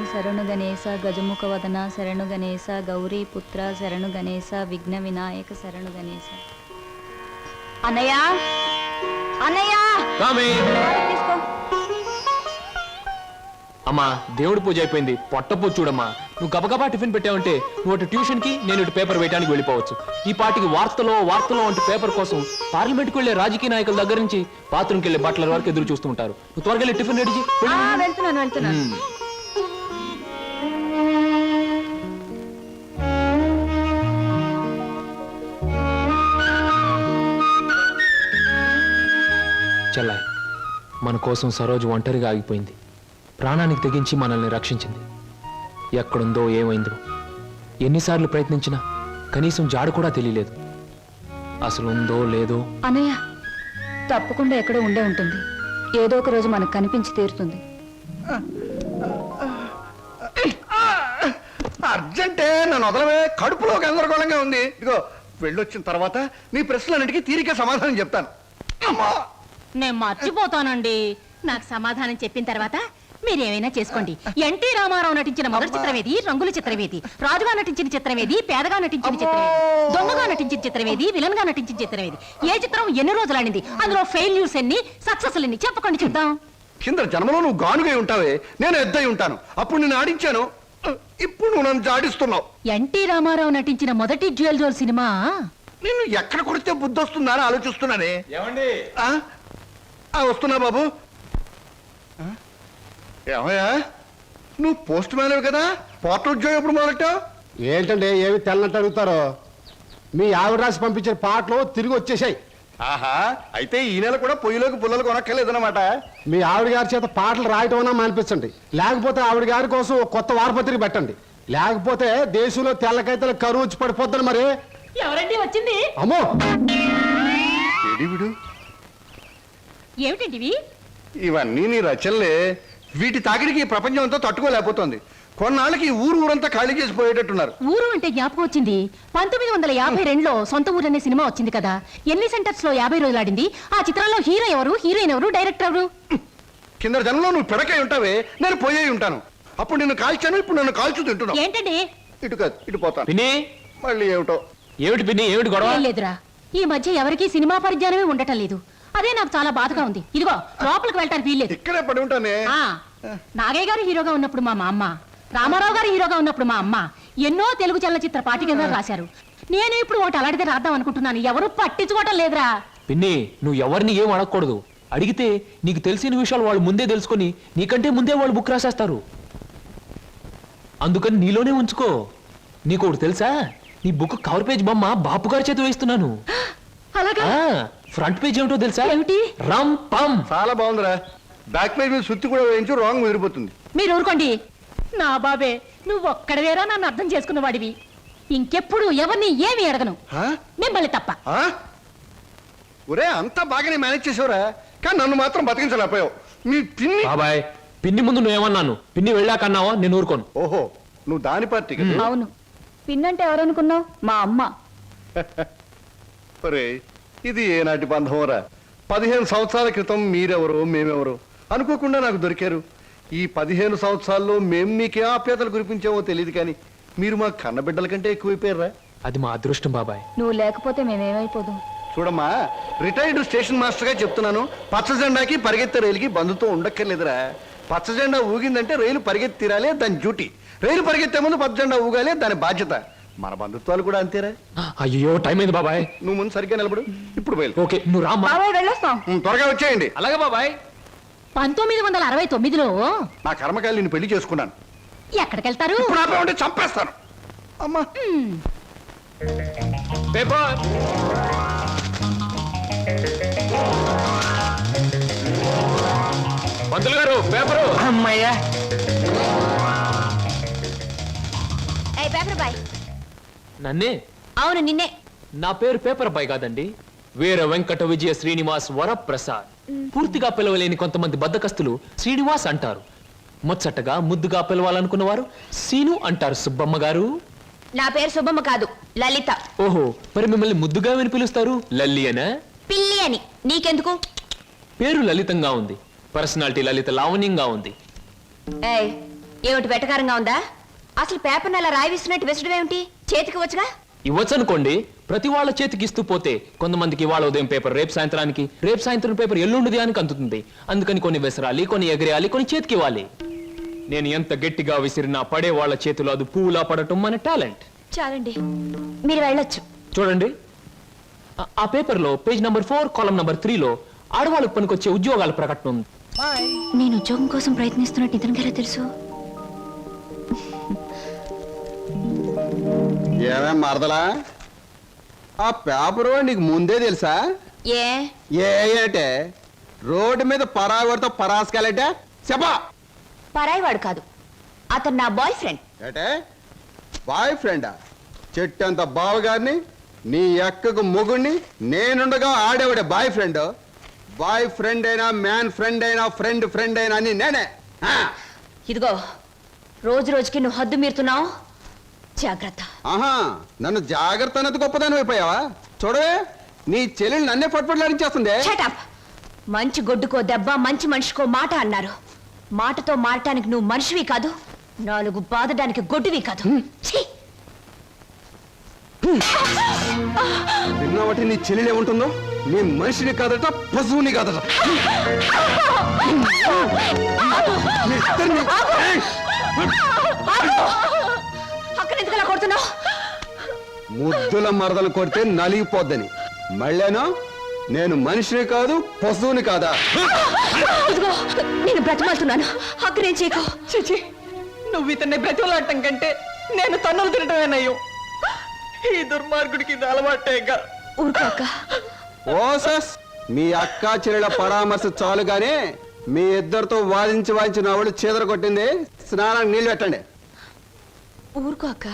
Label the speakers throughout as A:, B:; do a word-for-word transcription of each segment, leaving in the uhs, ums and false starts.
A: శరణు గణేశ గజముఖ వదన శరణు గణేశ గౌరీ పుత్ర శరణు గణేశ విఘ్న వినాయక శరణు గణేశ. అన్నయ్య అన్నయ్య తీసుకో.
B: అమ్మా దేవుడి పూజ అయిపోయింది, పొట్టపూ చూడమ్మా. నువ్వు గబగబా టిఫిన్ పెట్టావంటే నువ్వు అటు ట్యూషన్ కి, నేను ఇటు పేపర్ వేయడానికి వెళ్ళిపోవచ్చు. ఈ పాటికి వార్తలో వార్తలో అంటే పేపర్ కోసం పార్లమెంట్కి వెళ్లే రాజకీయ నాయకుల దగ్గర నుంచి బాత్రూమ్కి వెళ్లే బట్టల వరకు ఎదురు చూస్తూ ఉంటారు. నువ్వు త్వరగా వెళ్ళి టిఫిన్ రెడీ చేయి.
A: వెళ్తున్నాను వెళ్తున్నాను.
B: చెల్లాయ్, మన కోసం సరోజు ఒంటరిగా ఆగిపోయింది. ప్రాణానికి తెగించి మనల్ని రక్షించింది. ఎక్కడుందో ఏమైందో ఎన్నిసార్లు ప్రయత్నించినా కనీసం జాడు కూడా తెలియలేదు. అసలు ఉందో లేదో.
A: అన్నయ్య తప్పకుండా ఎక్కడో ఉండే ఉంటుంది. ఏదో ఒక రోజు మనకు కనిపించి తీరుతుంది.
C: అర్జెంటే నన్ను వదలవే, కడుపులో గందరగోళంగా ఉంది. ఇదిగో వెళ్ళొచ్చిన తర్వాత నీ ప్రశ్నలన్నిటికీ తీరిక సమాధానం చెప్తాను.
D: నేను మర్చిపోతానండి. నాకు సమాధానం చెప్పిన తర్వాత మీరేమైనా చేసుకోండి. ఎన్టీ రామారావు నటించిన మొదటి చిత్రమేది, రంగుల చిత్రమేది, రాజుగా నటించిన చిత్రమేది, పేదగా నటించిన చిత్రమేది, దొంగగా నటించిన చిత్రమేది, విలన్ గా నటించిన చిత్రమేది, ఏ చిత్రం ఎన్ని రోజులు ఆడింది, అందులో ఫెయిల్యూర్స్ ఎన్ని, సక్సెస్ ఎన్ని చెప్పకండి చూద్దాం.
C: కింద జన్మలో నువ్వు గానుగై ఉంటావే, నేను ఎద్దై ఉంటాను. అప్పుడు నేను ఆడించాను, ఇప్పుడు నువ్వు నన్ను జాడిస్తున్నావు.
D: ఎన్టీ రామారావు నటించిన మొదటి జ్యువెల్ జోల్ సినిమా
C: నిన్ను ఎక్కడ కొడితే బుద్ధి వస్తుందా అని ఆలోచిస్తున్నానే. ఏమండి వస్తున్నా బాబు. ఏమయ్యా నువ్వు పోస్ట్ మ్యాన్ కదా, పోర్టల్ ఉద్యోగం ఎప్పుడు మొదలెట్టావు?
E: ఏంటంటే ఏమి తెల్లంటే అడుగుతారో. మీ ఆవిడ రాసి పంపించిన పాటలు తిరిగి వచ్చేసాయి.
C: ఆహా, అయితే ఈ నెల కూడా పొయ్యిలోకి పుల్లలు కొనక్కర్లేదన్నమాట.
E: మీ ఆవిడ గారి చేత పాటలు రాయటం అన్నా మానిపించండి, లేకపోతే ఆవిడ గారి కోసం కొత్త వారపత్రిక పెట్టండి. లేకపోతే దేశంలో తెల్లకైతే కరువు వచ్చి పడిపోద్దని. మరి
D: ఎవరండి వచ్చింది?
E: అమ్మో
C: విడు
D: ఏమిటండి
C: ఇవన్నీ నీ రచనలే. వీటి తాకిడికి ఈ ప్రపంచం అంతా తట్టుకోలేకపోతుంది. కొన్నాళ్ళకి ఊరు ఊరంతా ఖాళీ చేసి పోయేటట్టున్నారు.
D: ఊరు అంటే జ్ఞాపకం వచ్చింది. పంతొమ్మిది వందల యాభై రెండులో సొంత ఊరు అనే సినిమా వచ్చింది కదా. ఎన్ని సెంటర్స్ లో యాభై రోజులు ఆడింది. ఆ చిత్రంలో హీరో ఎవరు, హీరోయిన్ ఎవరు, డైరెక్టర్ ఎవరు?
C: కింద జనంలో నువ్వు పిడకై ఉంటావే, నేను పోయే ఉంటాను. అప్పుడు నిన్ను కాల్చాను, ఇప్పుడు నన్ను కాల్చు తింటున్నావు.
D: ఏంటండి?
C: ఇటు కాదు ఇటు పోతాను.
B: పిన్ని
C: మళ్ళీ ఏమిటో.
B: ఏమిటి పిన్ని, ఏమిటి గొడవ?
D: లేదురా, ఈ మధ్య ఎవరికి సినిమా పరిజ్ఞానమే ఉండటం లేదు. అదే నాకు చాలా బాధగా ఉంది. ఇదిగో లోపలికి వెళ్ళటానికి వీల్లేదు.
C: ఇక్కడే పడి ఉంటానే.
D: నాగయ్య గారు హీరోగా ఉన్నప్పుడు మా అమ్మ, రామారావు గారు హీరోగా ఉన్నప్పుడు మా అమ్మ ఎన్నో తెలుగు చలనచిత్ర పాఠికలు రాశారు. నేను ఇప్పుడు ఒకటి అలాంటిదే రాద్దాం అనుకుంటున్నాను. ఎవరు పట్టించుకోవటం లేదురా.
B: పిన్ని నువ్వు ఎవరిని ఏం అడగకూడదు. అడిగితే నీకు తెలిసిన విషయాలు వాళ్ళు ముందే తెలుసుకొని నీకంటే ముందే వాళ్ళు బుక్ రాసేస్తారు. అందుకని నీలోనే ఉంచుకో. నీకు ఒకటి తెలుసా, నీ బుక్ కవర్ పేజ్ బొమ్మ బాపు గారి చేత వేస్తున్నాను.
D: అలాగా?
B: ఫ్రంట్ పేజ్ ఏమిటో తెలుసా?
D: ఏమిటి?
B: రమ్ పమ్.
C: చాలా బాగుందిరా. బ్యాక్ పేజ్ మీద సుత్తి కూడా వేయించు, రాంగ్ ముదిరిపోతుంది.
D: మీరు ఊరుకోండి. నా బాబే, నువ్వు ఒక్కడవేరా నన్ను అర్థం చేసుకున్న వాడివి. ఇంకెప్పుడు ఎవరిని ఏమి అడగను, మిమ్మల్ని తప్ప.
C: ఒరే అంతా బాగానే మేనేజ్ చేసావురా, కానీ నన్ను మాత్రం బతికించలేకపోయావు. మీ పిన్ని
B: బాబాయ్, పిన్ని ముందు నువ్వేమన్నాను, పిన్ని వెళ్ళాకన్నావా నేను ఊరుకోను.
C: ఓహో, నువ్వు దాని పార్టీ.
A: అవును, పిన్నంటే ఎవరనుకున్నావు? మా అమ్మ.
C: ఒరే ఇది ఏనాటి బంధంరా. పదిహేను సంవత్సరాల క్రితం మీరెవరు మేమెవరు అనుకోకుండా నాకు దొరికారు. ఈ పదిహేను సంవత్సరాల్లో మేము మీకే ఆప్యాతలు కురిపించామో తెలియదు, కానీ మీరు మా కన్నబిడ్డల కంటే ఎక్కువైపోయారా.
B: అది మా అదృష్టం బాబాయ్.
A: నువ్వు లేకపోతే మేమేమైపోదాం.
C: చూడమ్మా, రిటైర్డ్ స్టేషన్ మాస్టర్ గా చెప్తున్నాను, పచ్చ జెండాకి పరిగెత్తే రైలుకి బంధుతో ఉండక్కర్లేదురా. పచ్చ జెండా ఊగిందంటే రైలు పరిగెత్తి తీరాలే, దాని డ్యూటీ. రైలు పరిగెత్తే ముందు పచ్చ జెండా ఊగాలే, దాని బాధ్యత. మన బంధుత్వాలు కూడా అంతేరా.
B: అయ్యో టైం అయింది బాబాయ్.
C: నువ్వు ముందు సరిగ్గా నిలబడు, ఇప్పుడు బయలు.
B: ఓకే నువ్వు రామ్మా.
A: వెళ్ళొస్తాం.
C: త్వరగా వచ్చేయండి.
B: అలాగే బాబాయ్.
D: పంతొమ్మిది వందల అరవై తొమ్మిదిలో
C: నా కర్మకాయలు నిన్ను పెళ్లి చేసుకున్నాను.
D: ఎక్కడికెళ్తారు?
C: ఇప్పుడు ఆపే ఉంటే చంపేస్తాను. అమ్మా
B: పేపర్. పంతులు గారు పేపరు.
F: అమ్మయ్యా.
D: Paper boy.
B: నన్నే?
D: అవును నిన్నే.
B: నా పేరు పేపర్ బాయ్ కాదండి, వీర వెంకట విజయ శ్రీనివాస్ వరప్రసాద్. పూర్తిగా పిలవలేని కొంతమంది బద్దకస్తులు శ్రీనివాస్ అంటారు. ముచ్చటగా ముద్దుగా పిలవాలనుకున్న వారు సీను అంటారు. సుబ్బమ్మ గారు.
F: నా పేరు సుబ్బమ్మ కాదు, లలిత.
B: ఓహో, మరి మిమ్మల్ని ముద్దుగా విని పిలుస్తారు లల్లి అనా?
F: పిల్లి అని. నీకెందుకు?
B: పేరు లలితంగా ఉంది, పర్సనాలిటీ లలిత లావణ్యంగా ఉంది.
F: ఏయ్, ఏమిటి వెటకారంగా ఉందా? అసలు పేపర్ని అలా రాయి విస్తున్నట్టు విసడం ఏమిటి? చేతికి వచ్చుగా.
B: ఇవ్వచ్చు అనుకోండి, ప్రతి వాళ్ళ చేతికి ఇస్తూ పోతే కొంతమందికి ఇవాళ ఉదయం పేపర్ రేపు సాయంత్రానికి, రేపు సాయంత్రం పేపర్ ఎల్లుండిది అని అందుతుంది. అందుకని కొన్ని విసరాలి, కొన్ని ఎగరేయాలి, కొన్ని చేతికి ఇవ్వాలి. నేను ఎంత గట్టిగా విసిరినా పడే వాళ్ళ చేతిలో అది పువ్వులా పడటం మన టాలెంట్.
F: చాలండి, మీరు వెళ్ళొచ్చు.
B: చూడండి, ఆ- ఆ పేపర్లో పేజ్ నంబర్ ఫోర్ కాలం నంబర్ త్రీలో ఆడవాళ్ళకు పనికొచ్చే ఉద్యోగాల ప్రకటన ఉంది.
F: నేను ఉద్యోగం కోసం ప్రయత్నిస్తున్నట్టు ఇతనికి ఎలా తెలుసు?
E: ఏమే మరదలా, ఆ పేపరు నీకు ముందే తెలుసా?
F: ఏ
E: ఏ ఏటే రోడ్డు మీద పరాగడితో పరాసుకెళ్ళటే చెప్పా.
F: పరాయివాడు కాదు, అతను నా బాయ్ ఫ్రెండ్.
E: ఏటే బాయ్ ఫ్రెండా? చెట్టంత బావగారిని, నీ ఎక్కకు మొగుణ్ణి, నేనుండగా ఆడేవాడే బాయ్ ఫ్రెండ్. బాయ్ ఫ్రెండ్ అయినా, మ్యాన్ ఫ్రెండ్ అయినా, ఫ్రెండ్ ఫ్రెండ్ అయినా అని నేనే. ఆ.
F: ఇదిగో, రోజు రోజుకి నువ్వు హద్దు మీరుతున్నావు. జాగ్రత్త.
E: ఆహా, నన్ను జాగ్రత్త అన్నది గొప్పదాని అయిపోయావా? చూడవే, నీ చెల్లెలు నన్నే పట్టుపట్లాడించేస్తుంది.
F: Shut up. మంచి గొడ్డుకో దెబ్బ, మంచి మనిషికో మాట అన్నారు. మాటతో మారటానికి నువ్వు మనిషివి కాదు, నాలుగు బాదడానికి గొడ్డువి కాదు. ఛీ!
E: విన్నావటి నీ చెల్లెలు ఏముంటుందో? నీ మనిషిని కాదట, పశువుని కాదట. మీ ఇద్దరిని- ఏయ్!
F: అక్కడ ఎందుకు అలా కొడుతున్నావు?
E: ముద్దుల మరదలు కొడితే నలిగిపోద్దని. మళ్ళేనో నేను మనిషిని కాదు, పశువుని కాదా?
F: ఇదిగో, నేను బ్రతిమాలుతున్నాను. అక్కడేం చేయకు.
G: చిచి, నువ్వు ఇతన్ని బ్రతిమలాడటం కంటే నేను తన్నులు తినటమేనయ్యో. ఈ దుర్మార్గుడికి ఇది అలవాటేగా.
F: ఊరుకోక.
E: ఓసస్, మీ అక్క చెల్లెల పరామర్శ చాలుగానే మీ ఇద్దరితో వాదించి వాదించి నా వాళ్ళు చీదర కొట్టింది. స్నానానికి నీళ్ళు పెట్టండి.
F: ఊరుకోక.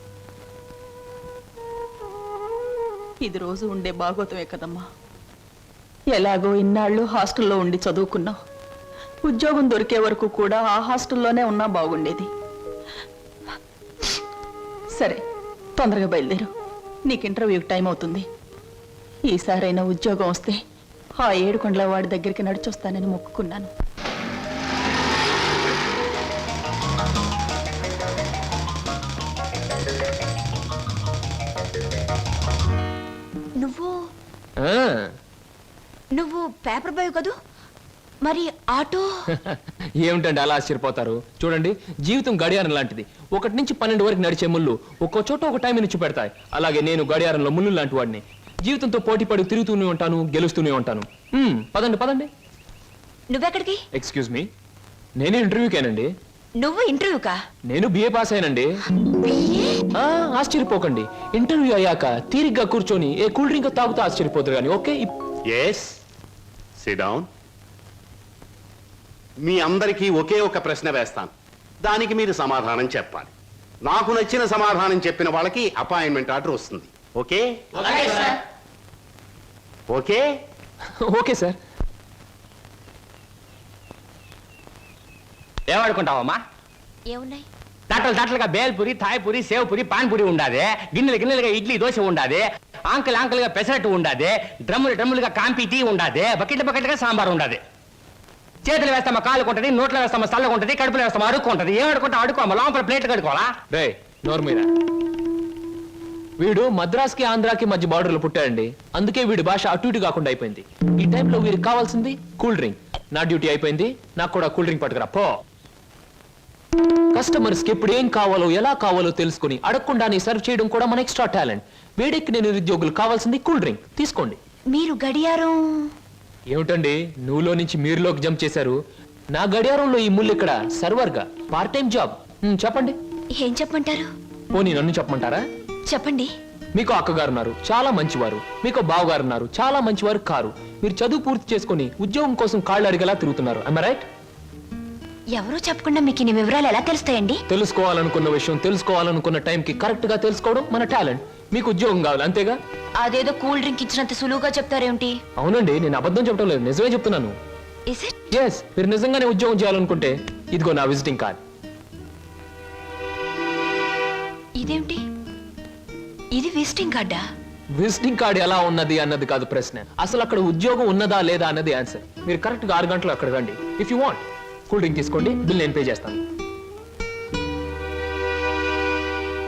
G: ఇది రోజు ఉండే భాగవతమే కదమ్మా. ఎలాగో ఇన్నాళ్ళు హాస్టల్లో ఉండి చదువుకున్నావు. ఉద్యోగం దొరికే వరకు కూడా ఆ హాస్టల్లోనే ఉన్నా బాగుండేది. సరే, తొందరగా బయలుదేరు. నీకు ఇంటర్వ్యూకి టైం అవుతుంది. ఈసారైనా ఉద్యోగం వస్తే ఆ ఏడుకొండల వాడి దగ్గరికి నడిచొస్తానని మొక్కుకున్నాను.
F: నువ్వు
B: ఆ,
F: నువ్వు పేపర్ బాయ్ కదూ? మరి ఆటో?
B: ఏమిటండి అలా ఆశ్చర్యపోతారు? చూడండి, జీవితం గడియారం లాంటిది. ఒకటి నుంచి పన్నెండు వరకు నడిచే ముళ్ళు ఒక్కో చోట ఒక టైం నుంచి పెడతాయి. అలాగే నేను గడియారంలో ముళ్ళు లాంటి వాడిని. జీవితంతో పోటీ పడి తిరుగుతూనే ఉంటాను, గెలుస్తూనే ఉంటాను. మ్మ్, పదండి పదండి.
F: నువ్వెక్కడికి?
B: ఎక్స్క్యూజ్ మీ, నేను ఇంటర్వ్యూకేనండి.
F: నువ్వు ఇంటర్వ్యూకా?
B: నేను బిఏ పాస్ అయినండి. ఆ, ఆశ్చర్యపోకండి. ఇంటర్వ్యూ అయ్యాక తీరిగ్గా కూర్చొని ఏ కూల్ డ్రింక్ తాగుతూ ఆశ్చర్యపోతారు కానీ. Okay,
H: yes, sit down. మీ అందరికీ ఒకే ఒక ప్రశ్న వేస్తాను, దానికి మీరు సమాధానం చెప్పాలి. నాకు నచ్చిన సమాధానం చెప్పిన వాళ్ళకి అపాయింట్మెంట్ ఆర్డర్ వస్తుంది. Okay okay
B: okay sir.
I: ఏమనుకుంటావమ్మా?
F: ఏమున్నాయి?
I: తట్టలు తట్టలుగా బేల్పూరి, థాయ్పూరి, సేవ్పూరి, పాన్పూరి ఉండాది. గిన్నెలు గిన్నెలుగా ఇడ్లీ దోశ ఉండాది. ఆంకలు ఆంకలుగా పెసరట్టు ఉండాది. డ్రమ్ములు డ్రమ్ములుగా కాంపి టీ ఉండాది. బకెట్ బకెట్గా సాంబార్ ఉండాది. చేతులు వేస్తామా కాలు కొంటది, నోట్లో వేస్తామా చల్ల కొంటది, కడుపులో వేస్తామా అడుక్కుంటది. ఏం అడుకుంటా అడుకోమా, లోపల ప్లేట్ కడుకోవాలా?
B: రే నోరు మీద. వీడు మద్రాస్కి ఆంధ్రాకి మధ్య బార్డర్లో పుట్టాడండి. అందుకే వీడి భాష అటు ఇటు కాకుండా అయిపోయింది. ఈ టైంలో వీరికి కావాల్సింది కూల్ డ్రింక్. నా డ్యూటీ అయిపోయింది, నాకు కూడా కూల్ డ్రింక్ పట్టుకురా పో. కస్టమర్స్ కి ఎప్పుడు ఏం కావాలో ఎలా కావాలో తెలుసుకుని అడగకుండానే సర్వ్ చేయడం కూడా మన ఎక్స్ట్రా టాలెంట్. వేడెక్కి నేను నిరుద్యోగులు కావాల్సింది కూల్ డ్రింక్. తీసుకోండి.
F: మీరు గడియారం?
B: ఏమిటండి నువ్వులో నుంచి మీరులోకి జంప్ చేశారు? నా గడియారంలో ఈ ముళ్ళు ఇక్కడ సర్వర్గా పార్ట్ టైం జాబ్. హ్మ్, చెప్పండి.
F: ఏం చెప్పమంటారు?
B: పోనీ నన్ను చెప్పమంటారా?
F: చెప్పండి.
B: మీకు అక్కగారు ఉన్నారు, చాలా మంచివారు. మీకు బావగారు ఉన్నారు, చాలా మంచివారు కారు. మీరు చదువు పూర్తి చేసుకుని ఉద్యోగం కోసం కాళ్ళు అడిగేలా తిరుగుతున్నారు. I right?
F: ఎవరో చెప్పకుండా మీకు ఇన్ని వివరాలు ఎలా తెలుస్తాయండి?
B: తెలుసుకోవాలనుకున్న విషయం తెలుసుకోవాలనుకున్న టైంకి కరెక్ట్ గా తెలుసుకోవడం మన టాలెంట్. మీకు ఉద్యోగం కావాలి అంతేగా?
F: అదేదో కూల్ డ్రింక్ ఇచ్చినంత సులువుగా చెప్తారేమిటి?
B: అవునండి, నేను అబద్ధం చెప్పడం లేదు, నిజమే చెప్తున్నాను.
F: Is it?
B: ఎస్, మీరు నిజంగానే ఉద్యోగం చేయాలనుకుంటే ఇదిగో నా విజిటింగ్ కార్డ్.
F: ఇదేమిటి? ఇది విజిటింగ్ కార్డా?
B: విజిటింగ్ కార్డ్ ఎలా ఉన్నది అన్నది కాదు ప్రశ్న, అసలు అక్కడ ఉద్యోగం ఉన్నదా లేదా అన్నది ఆన్సర్. మీరు కరెక్ట్ గా ఆరు గంటలు అక్కడ రండి. If you want cool drink తీసుకోండి, బిల్ నేను పే చేస్తాను.